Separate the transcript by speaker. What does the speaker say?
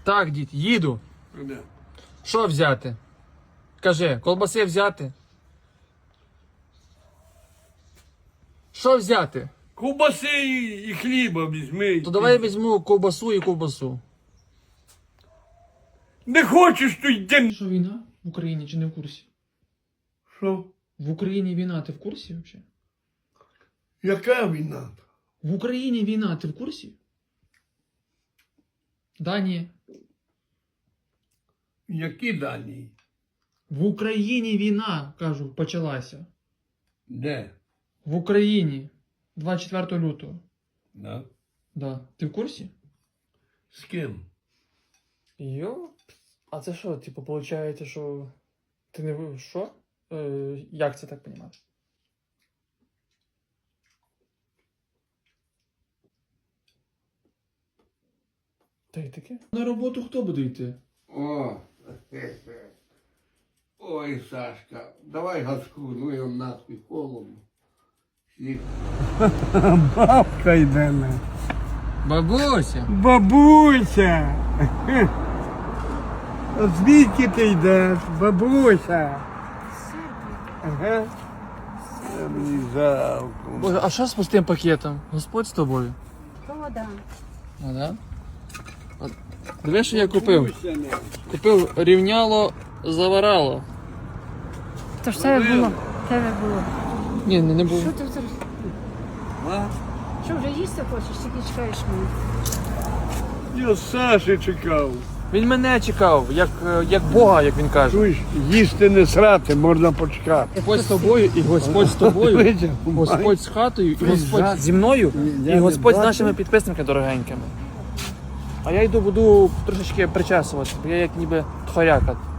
Speaker 1: Так, дід, їду.
Speaker 2: Куди?
Speaker 1: Що взяти? Кажи, колбаси взяти? Що взяти?
Speaker 2: Ковбаси і хліба візьми.
Speaker 1: То давай візьму ковбасу і ковбасу.
Speaker 2: Не хочеш, то йди.
Speaker 1: Що війна в Україні чи не в курсі?
Speaker 2: Що?
Speaker 1: В Україні війна, ти в курсі взагалі?
Speaker 2: Яка війна?
Speaker 1: В Україні війна, ти в курсі? Да, ні.
Speaker 2: Які дані?
Speaker 1: В Україні війна, кажу, почалася.
Speaker 2: Де?
Speaker 1: В Україні. 24 лютого.
Speaker 2: Да.
Speaker 1: Да. Ти в курсі?
Speaker 2: З ким?
Speaker 1: Йо? А це що, типу, виходить, що ти не... Що? Як це так розуміти? Та й таке? На роботу хто буде йти?
Speaker 2: О, ой, Сашка, давай газку, ну його нахуй холодно. Бабка йде на.
Speaker 1: Бабуся!
Speaker 2: Бабуся! Звідки ти йдеш, бабуся? Ага. Мені жалко.
Speaker 1: Боже, а що з пустим пакетом? Господь з тобою.
Speaker 3: Вода.
Speaker 1: А, да? Диви, що я купив. Купив рівняло, заварало.
Speaker 3: То ж тебе було. Тебе було.
Speaker 1: Ні, не було.
Speaker 3: Що ти зараз?
Speaker 2: А?
Speaker 3: Що вже їсти хочеш, тільки чекаєш мене.
Speaker 2: Я Саші чекав.
Speaker 1: Він мене чекав, як Бога, як він каже.
Speaker 2: Чуєш, їсти не срати, можна почекати.
Speaker 1: Господь з тобою, і Господь з тобою, Господь з хатою, і Господь зі мною, і Господь з нашими підписниками дорогенькими. А я йду, буду трошечки причесувати, бо я як ніби тхоряка.